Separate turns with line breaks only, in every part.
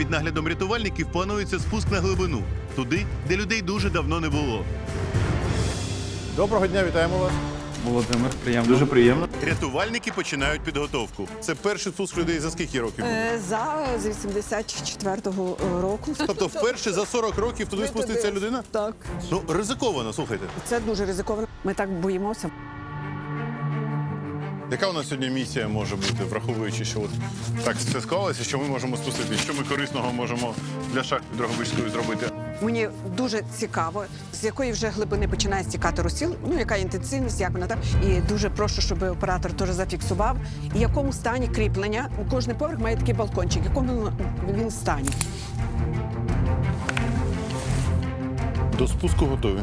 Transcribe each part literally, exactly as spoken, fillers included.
під наглядом рятувальників планується спуск на глибину. Туди, де людей дуже давно не було.
Доброго дня, вітаємо вас.
Володимир, приємно.
Дуже приємно.
Рятувальники починають підготовку.
Це перший спуск людей за скільки років?
Е, За з вісімдесят четвертого року.
Тобто вперше за сорок років туди
Ми
спуститься
туди.
людина?
Так.
Ну, ризиковано, слухайте.
Це дуже ризиковано. Ми так боїмося.
Яка у нас сьогодні місія може бути, враховуючи, що от так все склалося, що ми можемо спустити? Що ми корисного можемо для шахти Дрогобичської зробити?
Мені дуже цікаво, з якої вже глибини починає стікати розсіл, ну яка інтенсивність, як вона там. І дуже прошу, щоб оператор теж зафіксував, і в якому стані кріплення. Кожний поверх має такий балкончик, в якому він в стані.
До спуску готові.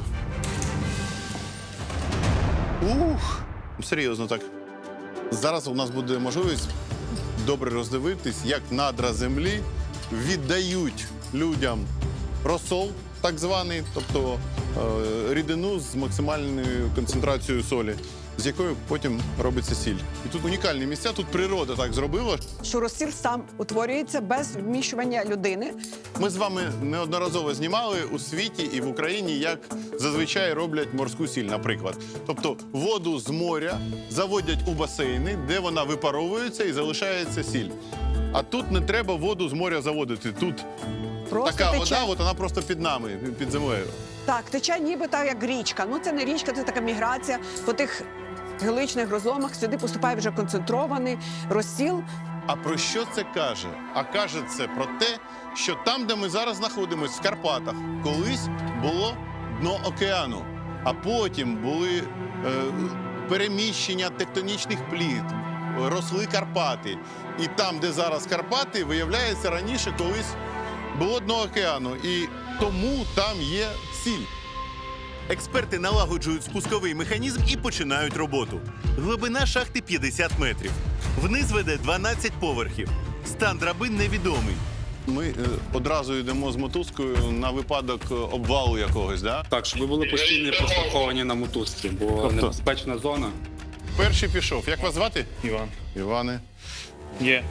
Ух, серйозно так. Зараз у нас буде можливість добре роздивитись, як надра землі віддають людям розсол, так званий, тобто е, рідину з максимальною концентрацією солі, з якою потім робиться сіль. І тут унікальні місця, тут природа так зробила.
Що розсіл сам утворюється без вміщування людини.
Ми з вами неодноразово знімали у світі і в Україні, як зазвичай роблять морську сіль, наприклад. Тобто воду з моря заводять у басейни, де вона випаровується і залишається сіль. А тут не треба воду з моря заводити. Тут
Просто
така
тече.
вода, от вона просто під нами, під землею.
Так, тече ніби так, як річка. Ну це не річка, це така міграція. По тих геличних розломах сюди поступає вже концентрований розсіл.
А про що це каже? А каже це про те, що там, де ми зараз знаходимося, в Карпатах, колись було дно океану, а потім були е, переміщення тектонічних плит, росли Карпати. І там, де зараз Карпати, виявляється, раніше колись було дно океану. І тому там є сіль.
Експерти налагоджують спусковий механізм і починають роботу. Глибина шахти п'ятдесят метрів. Вниз веде дванадцять поверхів. Стан драбин невідомий.
Ми е, одразу йдемо з мотузкою на випадок е, обвалу якогось, да?
Так, щоб ви були постійно прослуховані на мотузці, бо
Тобто?
небезпечна зона.
Перший пішов. Як вас звати?
Іван.
Іване.
Є.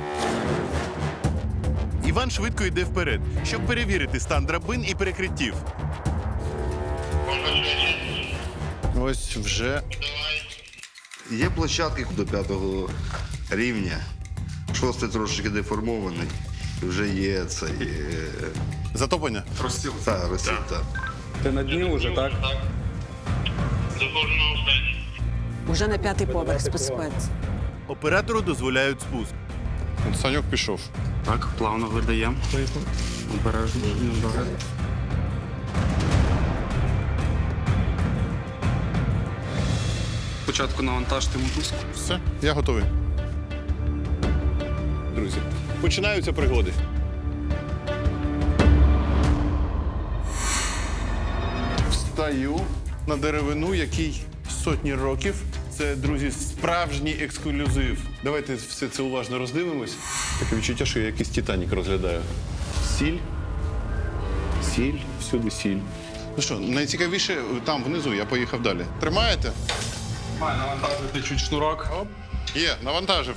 Іван швидко йде вперед, щоб перевірити стан драбин і перекриттів.
Ось вже.
Є площадки до п'ятого рівня. Шостий трошки деформований. Вже є цей. е,
Затоплення?
Розсіл. Так, розсіл, так.
Ти на дні вже, так?
Уже на п'ятий поверх спускається.
Оператору дозволяють спуск.
От Саньок пішов.
Так, плавно видаємо. Обережно. Добре. Спочатку навантажте мотузку.
Все, я готовий. Друзі, починаються пригоди. Встаю на деревину, який сотні років. Це, друзі, справжній ексклюзив. Давайте все це уважно роздивимось. Таке відчуття, що я якийсь Титанік розглядаю. Сіль. Сіль, всюди сіль. Ну що, найцікавіше там внизу, я поїхав далі. Тримаєте?
Має навантажити чуть шнурок.
Оп. Є, навантажив.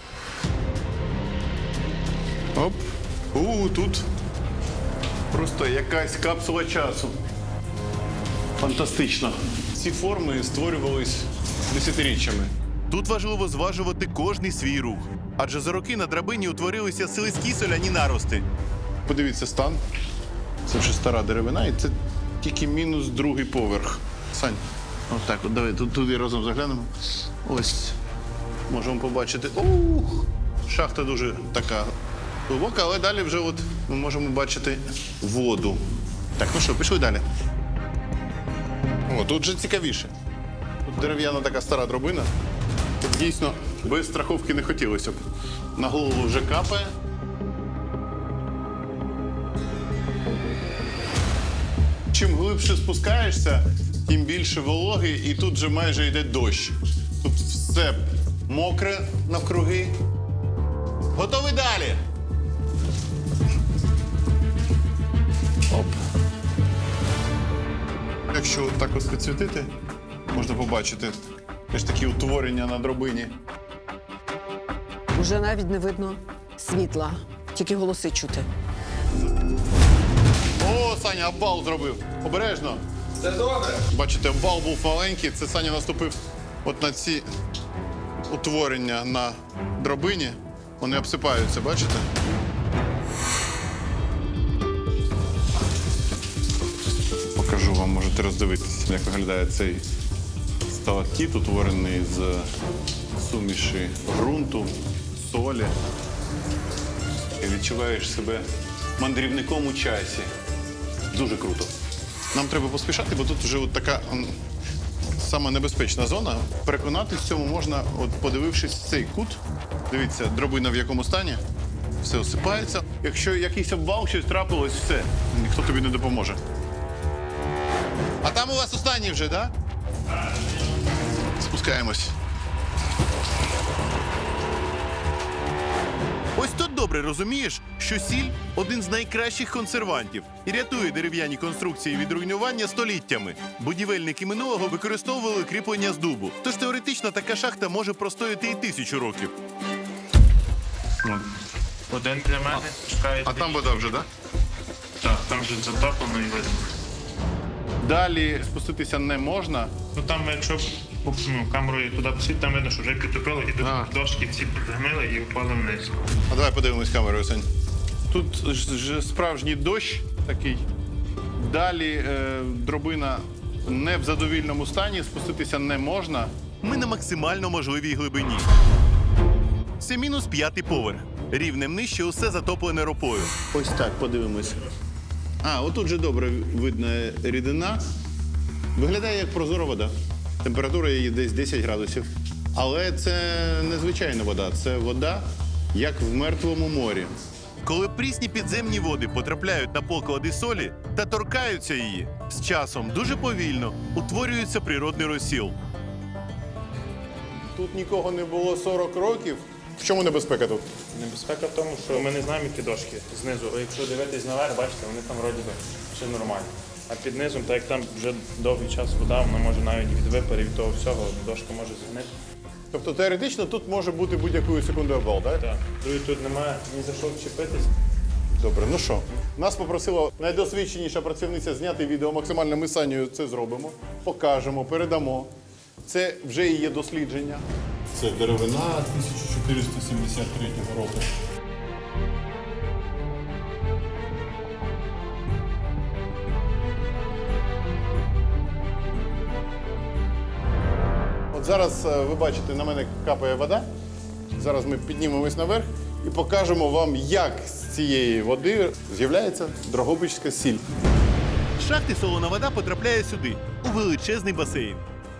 Оп. У, тут просто якась капсула часу. Фантастично. Ці форми створювались десятиріччями.
Тут важливо зважувати кожний свій рух. Адже за роки на драбині утворилися слизькі соляні нарости.
Подивіться стан. Це вже стара деревина, і це тільки мінус другий поверх. Сань, отак, от давай тут туди разом заглянемо. Ось. Можемо побачити. Ух! Шахта дуже така глибока, але далі вже от ми можемо бачити воду. Так, ну що, пішли далі. О, тут вже цікавіше. Тут дерев'яна така стара драбина. Тут дійсно без страховки не хотілося б. На голову вже капає. Чим глибше спускаєшся, тим більше вологи, і тут вже майже йде дощ. Тут все мокре навкруги. Готові далі? Оп. Якщо так ось підсвітити, можна побачити теж такі утворення на драбині.
Уже навіть не видно світла. тільки голоси чути.
О, Саня, обвал зробив. Обережно.
Це добре.
Бачите, обвал був маленький. Це Саня наступив от на ці утворення на драбині. Вони обсипаються, бачите? Покажу вам, можете роздивитися, як виглядає цей сталактит, утворений з суміші ґрунту, солі. І відчуваєш себе мандрівником у часі. Дуже круто. Нам треба поспішати, бо тут вже от така м, саме небезпечна зона. Переконатись в цьому можна, от подивившись в цей кут. Дивіться, дробина в якому стані. Все осипається. Якщо якийсь обвал, щось трапилось, все. Ніхто тобі не допоможе. А там у вас останній вже, так? Да? Спускаємось.
Ось тут добре розумієш, що сіль один з найкращих консервантів і рятує дерев'яні конструкції від руйнування століттями. Будівельники минулого використовували кріплення з дубу. Тож теоретично така шахта може простояти і тисячу років.
Один для мене, чекає.
А там вода вже, так? Да?
Так, там вже затоплено і видно.
Далі спуститися не можна.
Ну там, якщо ну, камерою туди посить, там видно, що вже підтопило, і
А.
тут дошки ці підгнили і впали вниз.
А давай подивимось камерою, Сань. Тут ж, ж справжній дощ такий. Далі е, дробина не в задовільному стані, спуститися не можна.
Ми на максимально можливій глибині. Це мінус п'ятий поверх. Рівнем нижче усе затоплене ропою.
Ось так, подивимось. А, отут же добре видна рідина. Виглядає як прозора вода. Температура її десь десять градусів. Але це не звичайна вода, це вода, як в мертвому морі.
Коли прісні підземні води потрапляють на поклади солі та торкаються її, з часом дуже повільно утворюється природний розсіл.
Тут нікого не було сорок років. В чому небезпека тут?
Небезпека в тому, що ми не знаємо, які дошки знизу. А якщо дивитись наверх, бачите, вони там вроді би все нормально. А під низом, так як там вже довгий час вода, вона може навіть від випарів від того всього, дошка може згнити.
Тобто теоретично тут може бути будь-якої секунди обвал, так?
Так. Другий тут немає ні за що вчепитись.
Добре, ну що, нас попросила найдосвідченіша працівниця зняти відео. Максимально ми з Санєю це зробимо, покажемо, передамо. Це вже і є дослідження. Це деревина тисяча чотириста сімдесят третього року. От зараз е, ви бачите, на мене капає вода. Зараз ми піднімемось наверх і покажемо вам, як з цієї води з'являється дрогобичська сіль.
З шахти солона вода потрапляє сюди, у величезний басейн.